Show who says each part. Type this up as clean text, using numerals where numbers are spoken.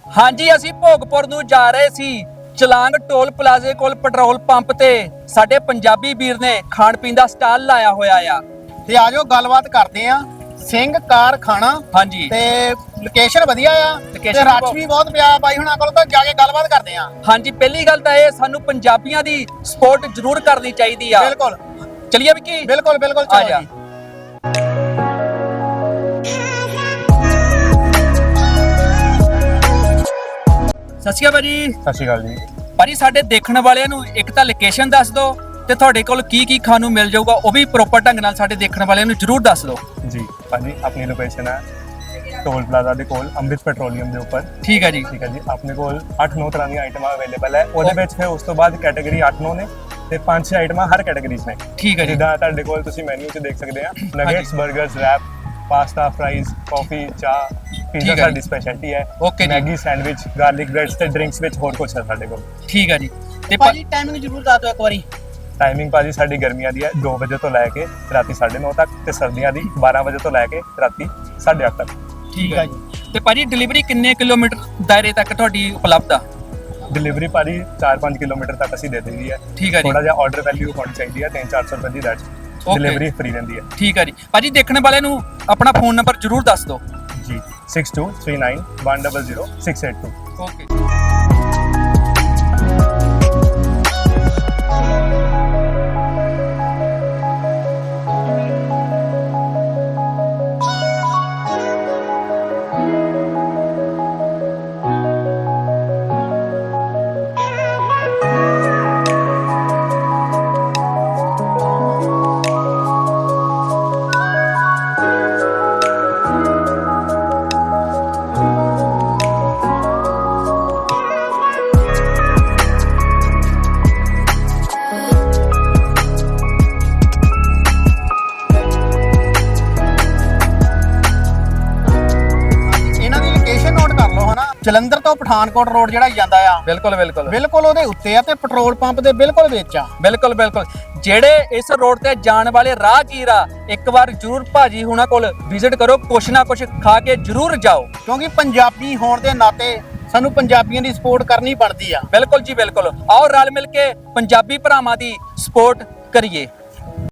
Speaker 1: ਹਾਂਜੀ ਅਸੀਂ ਭੋਗਪੁਰ ਨੂੰ ਜਾ ਰਹੇ ਸੀ। ਚਲਾਂਗ ਟੋਲ ਪਲਾਜ਼ੇ ਕੋਲ ਪੈਟਰੋਲ ਪੰਪ ਤੇ ਸਾਡੇ ਪੰਜਾਬੀ ਵੀਰ ਨੇ ਖਾਣ ਪੀਣ ਦਾ ਸਟਾਲ ਲਾਇਆ ਹੋਇਆ ਆ।
Speaker 2: ਤੇ ਆਜੋ ਗੱਲਬਾਤ ਕਰਦੇ ਆ। ਸਿੰਘ ਕਾਰਖਾਨਾ
Speaker 1: ਹਾਂਜੀ
Speaker 2: ਤੇ ਲੋਕੇਸ਼ਨ ਵਧੀਆ ਆ ਤੇ ਰਸ਼ ਵੀ ਬਹੁਤ ਪਿਆ ਬਾਈ ਹੁਣਾਂ ਕੋਲ, ਤਾਂ ਜਾ ਕੇ ਗੱਲਬਾਤ ਕਰਦੇ ਆ।
Speaker 1: ਹਾਂਜੀ ਪਹਿਲੀ ਗੱਲ ਤਾਂ ਇਹ ਸਾਨੂੰ ਪੰਜਾਬੀਆਂ ਦੀ ਸਪੋਰਟ ਜ਼ਰੂਰ ਕਰਨੀ ਚਾਹੀਦੀ ਆ।
Speaker 2: ਬਿਲਕੁਲ
Speaker 1: ਚਲਿਏ ਵਿੱਕੀ,
Speaker 2: ਬਿਲਕੁਲ ਬਿਲਕੁਲ
Speaker 1: ਆ
Speaker 2: ਚਲੋ
Speaker 1: ਜਾ।
Speaker 2: ਜੀ।
Speaker 1: ਸਤਿ ਸ਼੍ਰੀ ਅਕਾਲ ਭਾਜੀ।
Speaker 3: ਸਤਿ ਸ਼੍ਰੀ ਅਕਾਲ ਜੀ।
Speaker 1: ਭਾਜੀ ਸਾਡੇ ਦੇਖਣ ਵਾਲਿਆਂ ਨੂੰ ਇੱਕ ਤਾਂ ਲੋਕੇਸ਼ਨ ਦੱਸ ਦਿਓ ਤੇ ਤੁਹਾਡੇ ਕੋਲ ਕੀ ਕੀ ਖਾਣ ਨੂੰ ਮਿਲ ਜਾਊਗਾ ਉਹ ਵੀ ਪ੍ਰੋਪਰ ਢੰਗ ਨਾਲ ਸਾਡੇ ਦੇਖਣ ਵਾਲਿਆਂ ਨੂੰ ਜ਼ਰੂਰ ਦੱਸ ਦਿਓ।
Speaker 3: ਜੀ ਭਾਜੀ ਆਪਣੀ ਲੋਕੇਸ਼ਨ ਹੈ ਟੋਲ ਪਲਾਜ਼ਾ ਦੇ ਕੋਲ ਅੰਮ੍ਰਿਤ ਪੈਟਰੋਲੀਅਮ ਦੇ ਉੱਪਰ।
Speaker 1: ਠੀਕ ਹੈ ਜੀ।
Speaker 3: ਠੀਕ ਹੈ ਜੀ, ਆਪਣੇ ਕੋਲ 8-9 ਤਰ੍ਹਾਂ ਦੀਆਂ ਆਈਟਮਾਂ ਅਵੇਲੇਬਲ ਹੈ। ਉਹਦੇ ਵਿੱਚ ਫਿਰ ਉਸ ਤੋਂ ਬਾਅਦ ਕੈਟਾਗਰੀ 8-9 ਨੇ ਤੇ 5-6 ਆਈਟਮਾਂ ਹਰ ਕੈਟਾਗਰੀ 'ਚ ਨੇ।
Speaker 1: ਠੀਕ ਹੈ ਜੀ।
Speaker 3: ਜਿੱਦਾਂ ਤੁਹਾਡੇ ਕੋਲ ਤੁਸੀਂ ਮੈਨੂ 'ਚ ਦੇਖ ਸਕਦੇ ਆ ਨਗੇਟਸ, 버ਗਰਸ, ਰੈਪ, ਪਾਸਤਾ, ਫਰਾਈਜ਼, ਕਾਫੀ, ਚਾਹ, ਪੀਜ਼ਾ
Speaker 1: ਠੀਕ ਹੈ
Speaker 3: ਸਾਡੀ
Speaker 1: ਜੀ।
Speaker 3: ਸਪੈਸ਼ਲਿਟੀ ਹੈ।
Speaker 1: ਓਕੇ ਜੀ।
Speaker 3: ਮੈਗੀ, ਸੈਂਡਵਿਚ, ਗਾਰਲਿਕ ਬ੍ਰੈਡਸ ਤੇ ਡਰਿੰਕਸ ਵਿੱਚ ਹੋਰ ਕੁਝ ਹੈ ਸਾਡੇ ਕੋਲ।
Speaker 1: ਠੀਕ ਹੈ ਜੀ। ਤੇ
Speaker 2: ਭਾਜੀ ਟਾਈਮਿੰਗ ਜ਼ਰੂਰ ਦੱਸ ਦਿਓ ਇੱਕ ਵਾਰੀ।
Speaker 3: ਟਾਈਮਿੰਗ ਭਾਜੀ ਸਾਡੀ ਗਰਮੀਆਂ ਦੀ ਹੈ 2 ਵਜੇ ਤੋਂ ਲੈ ਕੇ ਰਾਤੀ 9:30 ਤੱਕ ਤੇ ਸਰਦੀਆਂ ਦੀ 12 ਵਜੇ ਤੋਂ ਲੈ ਕੇ ਰਾਤੀ 8:30 ਤੱਕ।
Speaker 1: ਠੀਕ ਹੈ ਜੀ। ਤੇ ਭਾਜੀ ਡਿਲੀਵਰੀ ਕਿੰਨੇ ਕਿਲੋਮੀਟਰ ਦਾਇਰੇ ਤੱਕ ਤੁਹਾਡੀ ਉਪਲਬਧ ਆ?
Speaker 3: ਡਿਲੀਵਰੀ ਭਾਜੀ 4-5 ਕਿਲੋਮੀਟਰ ਤੱਕ ਅਸੀਂ ਦੇ ਦਿੰਦੀ ਹੈ।
Speaker 1: ਠੀਕ ਹੈ ਜੀ।
Speaker 3: ਥੋੜਾ ਜਿਹਾ ਆਰਡਰ ਵੈਲਿਊ ਹੋਣੀ ਚਾਹੀਦੀ ਹੈ 300-400 ਰੁਪਏ ਦੀ ਦੈਟ ਡਿਲੀਵਰੀ ਫ੍ਰੀ ਰਹਿੰਦੀ ਹੈ।
Speaker 1: ਠੀਕ ਹੈ ਜੀ। ਭਾਜੀ ਦੇਖਣ ਵਾਲਿਆਂ ਨੂੰ ਆਪਣਾ ਫੋਨ ਨੰਬਰ ਜ਼ਰੂਰ ਦੱਸ ਦਿਓ।
Speaker 3: ਜੀ 6239100682।
Speaker 1: ਓਕੇ।
Speaker 2: ਇਹਨਾਂ ਦੀ ਲੋਕੇਸ਼ਨ ਨੋਟ ਕਰ ਲਓ ਹਨਾ। ਜਲੰਧਰ ਤੋਂ ਪਠਾਨਕੋਟ ਰੋਡ ਜਿਹੜਾ ਜਾਂਦਾ ਆ
Speaker 1: ਬਿਲਕੁਲ ਬਿਲਕੁਲ
Speaker 2: ਬਿਲਕੁਲ ਉਹਦੇ ਉੱਤੇ ਆ ਤੇ ਪੈਟਰੋਲ ਪੰਪ ਦੇ ਬਿਲਕੁਲ ਵਿੱਚ ਆ।
Speaker 1: ਬਿਲਕੁਲ ਬਿਲਕੁਲ। ਜਿਹੜੇ ਇਸ ਰੋਡ ਤੇ ਜਾਣ ਵਾਲੇ ਰਾਹਗੀਰ ਆ ਇੱਕ ਵਾਰ ਜ਼ਰੂਰ ਭਾਜੀ ਹੁਣਾਂ ਕੋਲ ਵਿਜ਼ਿਟ ਕਰੋ, ਕੁਛ ਨਾ ਕੁਛ ਖਾ ਕੇ ਜ਼ਰੂਰ ਜਾਓ।
Speaker 2: ਕਿਉਂਕਿ ਪੰਜਾਬੀ ਹੋਣ ਦੇ ਨਾਤੇ ਸਾਨੂੰ ਪੰਜਾਬੀਆਂ ਦੀ ਸਪੋਰਟ ਕਰਨੀ ਬਣਦੀ ਆ।
Speaker 1: ਬਿਲਕੁਲ ਜੀ ਬਿਲਕੁਲ। ਆਓ ਰਲ ਮਿਲ ਕੇ ਪੰਜਾਬੀ ਭਰਾਵਾਂ ਦੀ ਸਪੋਰਟ ਕਰੀਏ।